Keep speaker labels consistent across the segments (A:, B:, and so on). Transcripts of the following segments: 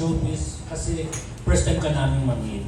A: showbiz? Kasi first time ka namin mag-meet.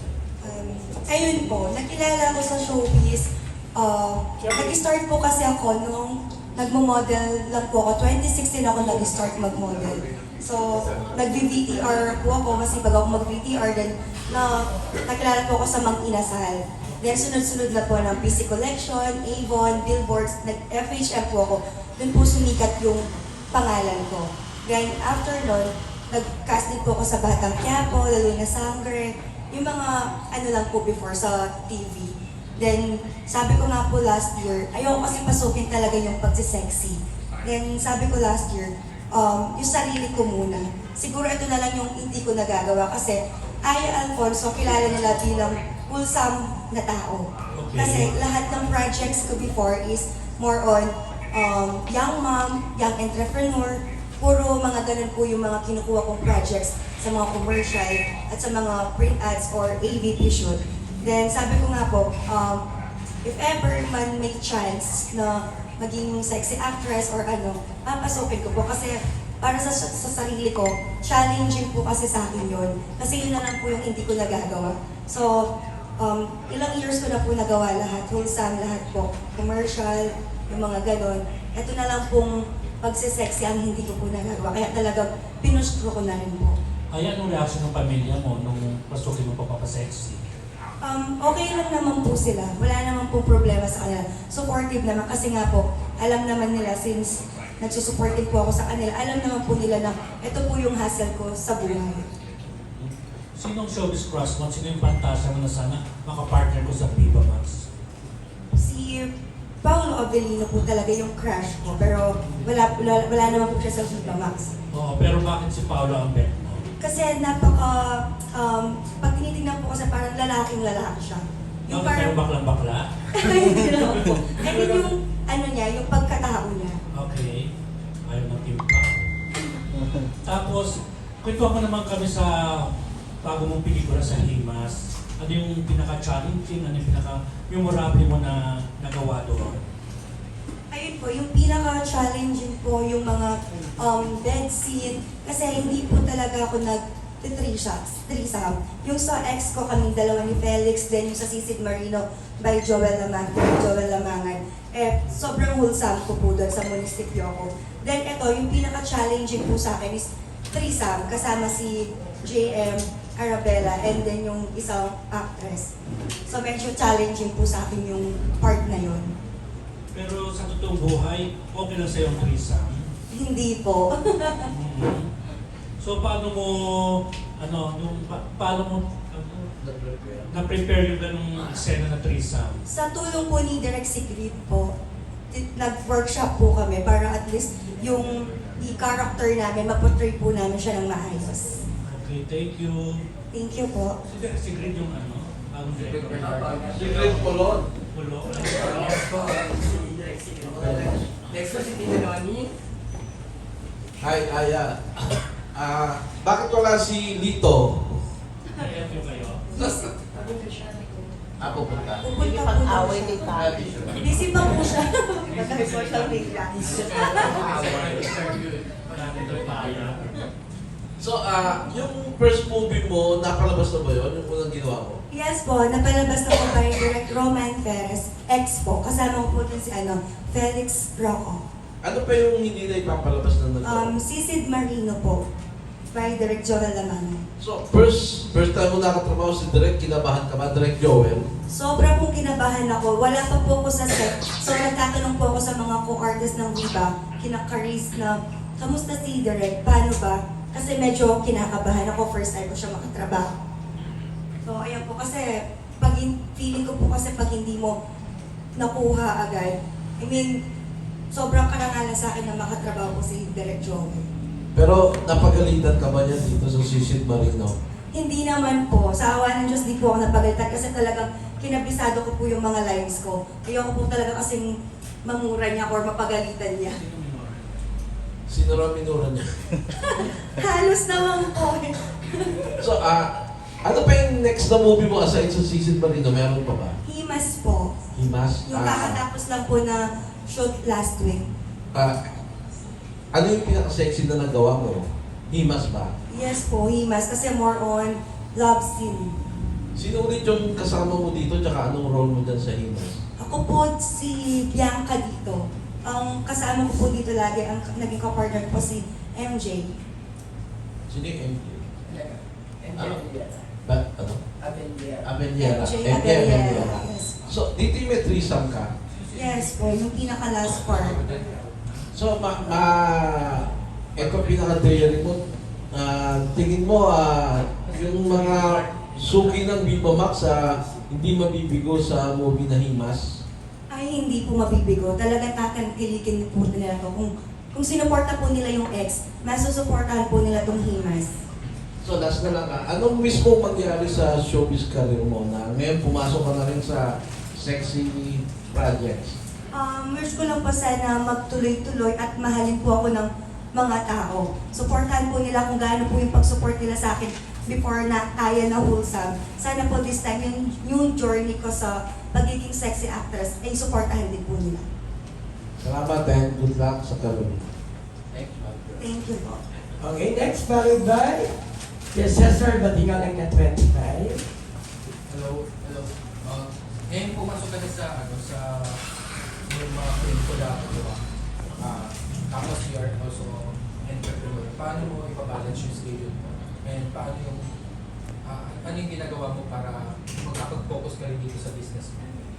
B: Ayun po, nakilala ko sa showbiz. Nag-start po kasi ako nung nagmo-model lang po ako. 2016 ako nag-start mag-model. So, nag-VTR po ako, masipag ako mag-VTR. Then, nakilala po ako sa Mang Inasal. Then, sunod-sunod na po ng PC Collection, Avon, Billboards, nag-FHM po ako. Doon po sumikat yung pangalan ko. Then, after nun, nag-cast din po ako sa Batang Quiapo, lalo na Sangre, yung mga ano lang po before sa TV. Then, sabi ko nga po last year, ayoko kasi pasukin talaga yung pagsisexy. Then, sabi ko last year, yung sarili ko muna. Siguro ito na lang yung hindi ko nagagawa kasi Aya Alfonso, kilala nila bilang wholesome na tao.
A: Okay.
B: Kasi lahat ng projects ko before is more on young mom, young entrepreneur, puro mga ganun po yung mga kinukuha kong projects sa mga commercial at sa mga print ads or AVP shoot. Then sabi ko nga po, if ever man may chance na maging sexy actress or ano, papasukin ko po kasi para sa sarili ko, challenging po kasi sa akin yun. Kasi yun na lang po yung hindi ko nagagawa. So, ilang years ko na po nagawa lahat, wholesome lahat po, commercial, yung mga ganon. Ito na lang pong pagsisexy ang hindi ko po nagagawa. Kaya talagang pinustro ko na rin po.
A: Ay, anong reaction ng pamilya mo nung pasukin mo papapasexy?
B: Okay lang naman po sila. Wala naman po problema sa kanila. Supportive naman kasi nga po, alam naman nila since nagsusupport din po ako sa kanila, alam naman po nila na ito po yung hassle ko sa buhay.
A: Sinong showbiz crush mo? Sino yung fantasya mo na sana makapartner ko sa Viva Max?
B: Si Paolo Avellino po talaga yung crush ko, pero wala naman po siya sa Viva Max.
A: Oo, pero bakit si Paolo ang bet mo?
B: Kasi pag tinitingnan po kasi parang lalaking-lalaki siya.
A: Bakit pero baklang-bakla?
B: Hindi naman po. I mean yung, ano niya, yung pagkatao niya.
A: Okay. Ayaw ng timpa. Tapos, kwento mo naman kami sa bago mong pelikula sa Himas. Ano yung pinaka-challenging, ano yung pinaka-memorable mo na nagawa doon?
B: Ayun po, yung pinaka-challenging po yung mga bed scene. Kasi hindi po talaga ako threesome. Yung sa ex ko kaming dalawa ni Felix, then yung sa Sisid Marino by Joel Lamangan. Sobrang wholesome ko po doon sa munisipyo ko. Then ito, yung pinaka-challenging po sa akin is threesome kasama si JM Arabella and then yung isang actress. So medyo challenging po sa akin yung part na yun.
A: Pero sa totoong buhay, okay lang sa'yo ang threesome?
B: Hindi po.
A: So paano mo, paano mo na-prepare yung ganung eksena na threesome?
B: Sa tulong po ni Direk Sigrid po, nag-workshop po kami para at least yung i-character namin, maportray po namin siya ng maayos.
A: Okay, thank you.
B: Thank you po.
A: Si Grid yung ang
C: Secret Polon.
A: Pulo.
D: Next po si Tita Noni.
C: Hi, Aya. Bakit wala si Lito?
A: Thank you kayo.
C: Pupunta.
B: Pupunta po
E: Pag-away
B: daw
E: ni
B: siya.
E: Tati.
B: Busy pa po siya. Nag-social media.
A: Marami doon paya.
C: So, yung first movie mo, napalabas na ba yun? Yung unang ginawa mo?
B: Yes po, napalabas na po by Direk Roman Perez, ex po. Kasama ko po din si Felix Rocco.
C: Ano pa yung hindi na ipapalabas na nagawa?
B: Sisid Marino po, by Direk Joel Lamangan.
C: So, first time mo nakatrabaho si Direk, kinabahan ka ba? Direk Joel?
B: Sobra pong kinabahan ako. Wala pa po ako sa set. So nagtatanong po ako sa mga co-artist ng Viva, kina-Caris na, kamusta si Direk? Paano ba? Kasi medyo kinakabahan ako. First time ko siya makatrabaho. So ayan po kasi, feeling ko po kasi pag hindi mo nakuha agad, I mean, sobrang karangalan sa akin na makatrabaho ko si Direk Joel.
C: Pero napagalitan ka ba niya dito sa Sisid Marino?
B: Hindi naman po. Sa awa ng Diyos, di po ako napagalitan kasi talagang kinabisado ko po yung mga lines ko. Ayoko po talaga kasing mamura niya or mapagalitan niya.
C: Sino raw minura niya?
B: Halos naman po.
C: So, ano pa yung next na movie mo aside sa Sisid Marino? Meron pa ba?
B: Himas po.
C: Himas?
B: Yung kakatapos lang po na shoot last week.
C: Ano yung pinaka-sexy na nagawa mo? Himas ba?
B: Yes po, Himas, kasi more on love scene.
C: Sino ulit yung kasama mo dito, tsaka anong role mo dyan sa Himas?
B: Ako po si Bianca dito. Ang kasama ko po dito lagi, ang naging kapartner po si MJ.
C: Sino yung MJ?
D: Ano?
C: Ba, ano?
D: Abeliera.
C: Abeliera.
B: MJ
C: MJ
B: Abeliera. Yes.
C: So, dito yung may threesome ka.
B: Yes po, yung pinaka-last part.
C: So, ito pinaka-theory mo. Tingin mo, yung mga suki ng Viva Max, hindi mabibigo sa movie na Himas?
B: Ay, hindi po mabibigo. Talagang tatangkilikin po nila to. Kung sinuporta po nila yung ex, masusuportahan po nila tong Himas.
C: So, last na lang, anong mismo mangyari sa showbiz career mo na ngayon pumasok ka na rin sa sexy projects?
B: Wish ko lang po sana magtuloy-tuloy at mahalin po ako ng mga tao. Supportahan po nila kung gaano po yung pag-support nila sa akin before na kaya na wholesome. Sana po this time yung journey ko sa pagiging sexy actress ay supportahan din po nila.
C: Salamat and good luck sa career.
B: Thank you po.
D: Okay, next followed by Cesar Badingal ng 25.
E: Hello, hello. Ngayon pumasok ka na sa yung mga pelikula ko, di ba? Tapos you are also entrepreneur. Paano mo ipabalance yung schedule mo? And paano yung ano yung ginagawa mo para magkapag-focus ka rin dito sa business mo?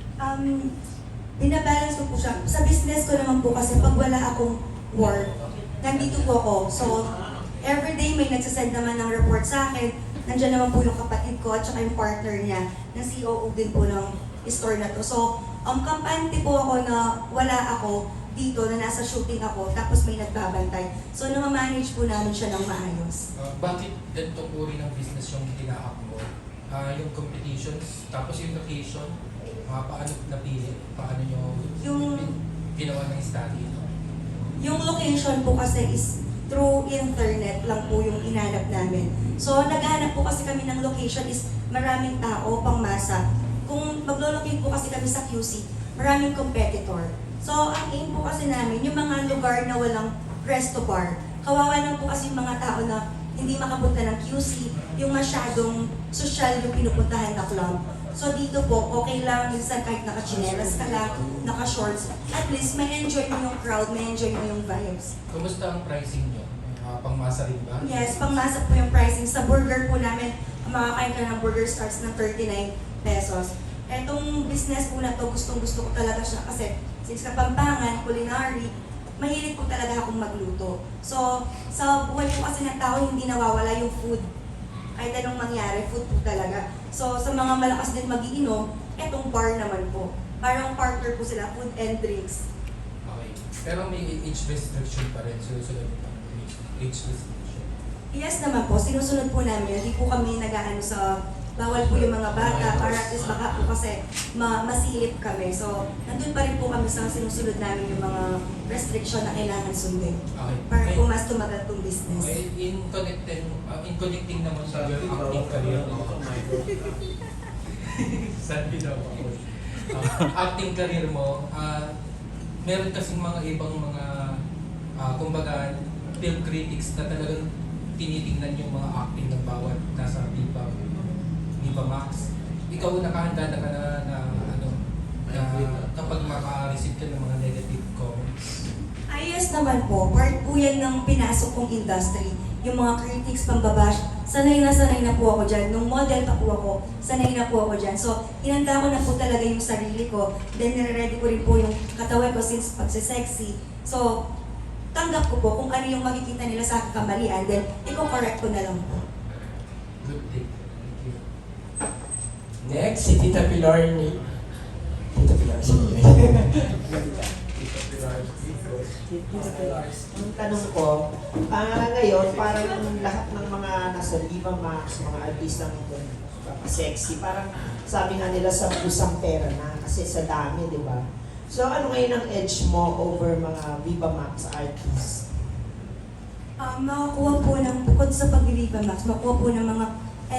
B: Binabalance ko po siya. Sa business ko naman po kasi pag wala akong work, nandito po ako. So, everyday may nagsasend naman ng report sa akin. Nandiyan naman po yung kapatid ko at saka yung partner niya na COO din po ng store na to. So, kampante po ako na wala ako dito na nasa shooting ako tapos may nagbabantay. So, namamanage po namin siya ng maayos.
E: Bakit ganitong uri ng business yung tinahak mo? Yung competitions, tapos yung location, paano napili? Paano nyo ginawa ng study?
B: Yung location po kasi is through internet lang po yung inanap namin. So, naghahanap po kasi kami ng location is maraming tao, pangmasa. Kung maglo-locate po kasi kami sa QC, maraming competitor. So, ang aim po kasi namin, yung mga lugar na walang resto bar. Kawawa lang po kasi yung mga tao na hindi makapunta ng QC, yung masyadong social yung pinupuntahan na club. So dito po, okay lang, minsan kahit naka-chinelas ka lang, naka-shorts, at least may enjoy mo yung crowd, may enjoy mo yung vibes.
E: Kumusta ang pricing nyo? Pangmasa rin ba?
B: Yes, pangmasa po yung pricing. Sa burger po namin, makakain ka ng burger starts ng 39 pesos. Etong business po na to, gustong-gusto ko talaga siya kasi since Kapampangan, culinary, mahilig po talaga akong magluto. So, sa buhay po kasi ng tao, hindi nawawala yung food. Kahit anong mangyari, food po talaga. So, sa mga malakas din magiinom, etong bar naman po. Parang partner po sila, food and drinks.
E: Okay. Pero may age restriction pa rin. Susunod pa. Age restriction.
B: Yes naman po, sinusunod po namin. Hindi po kami nag-aano sa bawal po yung mga bata para at least baka po kasi masilip kami. So, nandun pa rin po kami sa sinusunod namin yung mga restriction na kailangan sundin.
E: Okay.
B: Para po mas tumagal tong business.
E: Okay. In connecting naman sa your acting career mo. Sabi daw ako. Acting career mo, meron kasing mga ibang mga kumbaga film critics na talagang tinitingnan yung mga acting ng bawat nasa Viva Max. Ikaw nakahanda na ka na kapag maka-receive ka ng mga negative comments.
B: Ayos naman po, part po yan ng pinasok kong industry. Yung mga critics, pambabash, sanay na po ako dyan. Nung model pa po ako, sanay na po ako dyan. So, hinanda ko na po talaga yung sarili ko. Then, nire-ready ko rin po yung katawan ko since pagsisexy. So, tanggap ko po kung ano yung makikita nila sa aking kamalian, then i-correct ko na lang po.
E: Good day. Thank you.
D: Next, si Tita Pilar ni... Tita Pilar, sige.
F: Tita Pilar, ang tanong ko, ngayon parang lahat ng mga nasa Viva Max, mga artistang sexy, parang sabi nga nila sa busang pera na kasi sa dami, di ba? So ano ngayon ang edge mo over mga Viva Max artists?
B: Makakuha po ng, bukod sa pag-Viva Max, makakuha po ng mga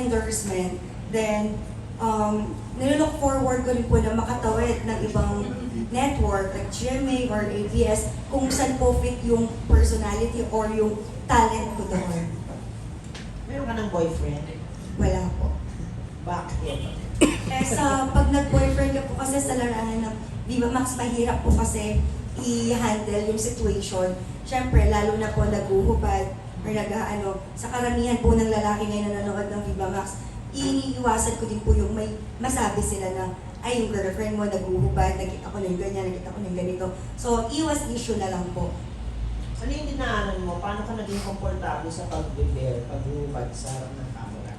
B: endorsement. Then, nilook forward ko rin po na makatawid ng ibang network like GMA or ABS kung saan po fit yung personality or yung talent ko doon.
F: Meron ka ng boyfriend?
B: Wala po.
F: Bakit?
B: Eh sa pag nag-boyfriend ka po kasi sa larangan ng Viva Max, mahirap po kasi i-handle yung situation. Siyempre, lalo na po naguhubad or sa karamihan po ng lalaki ngayon na nanonood ng Viva Max, iniiwasan ko din po yung may masabi sila na, ay, yung girlfriend mo naguhubad, nakita ko na yung ganyan, nakita ko na yung ganito. So, iwas issue na lang po.
F: Ano yung dinaanan mo? Paano ka naging komportable sa pag-prepare, pag-hubad sa harap ng camera?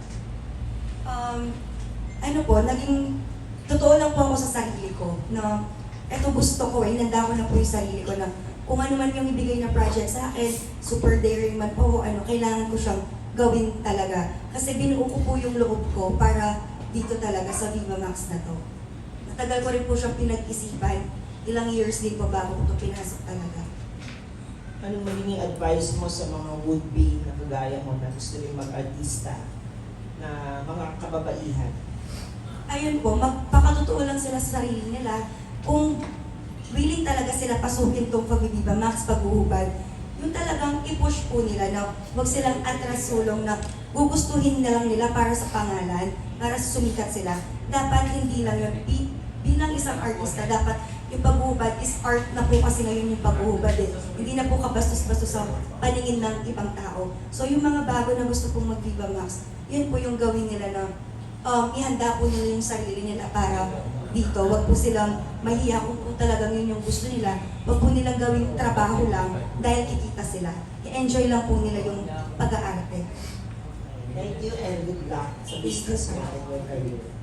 B: Ano po, naging totoo lang po ako sa sarili ko na eto gusto ko, inanda ko na po yung sarili ko na kung ano man yung ibigay na project sa akin, super daring man po, kailangan ko siyang gawin talaga. Kasi binuo ko po yung loob ko para dito talaga sa Viva Max na to. Matagal ko rin po siyang pinag-isipan, ilang years din po bago ko ito pinasok talaga.
F: Anong magiging advice mo sa mga would-be na kagaya mo na gusto rin mag-artista na mga kababaihan?
B: Ayun po, magpakatotoo lang sila sa sarili nila. Kung willing talaga sila pasukin tong pag-Viva Max, paghuhubad, yung talagang i-push po nila na huwag silang atras sulong na gugustuhin na lang nila para sa pangalan, para sumikat sila. Dapat hindi lang yun. Bilang isang artista, dapat yung paghuhubad is art na po kasi ngayon yung paghuhubad eh. Hindi na po kabastos-bastos sa paningin ng ibang tao. So yung mga bago na gusto pong mag-Viva Max, yun po yung gawin nila na ihanda po nila yung sarili nila para dito. Huwag po silang mahiya kung talagang yun yung gusto nila. Huwag po nilang gawing trabaho lang dahil kikita sila. I-enjoy lang po nila yung pag-aarte.
F: Thank you and good luck sa business mo and your career.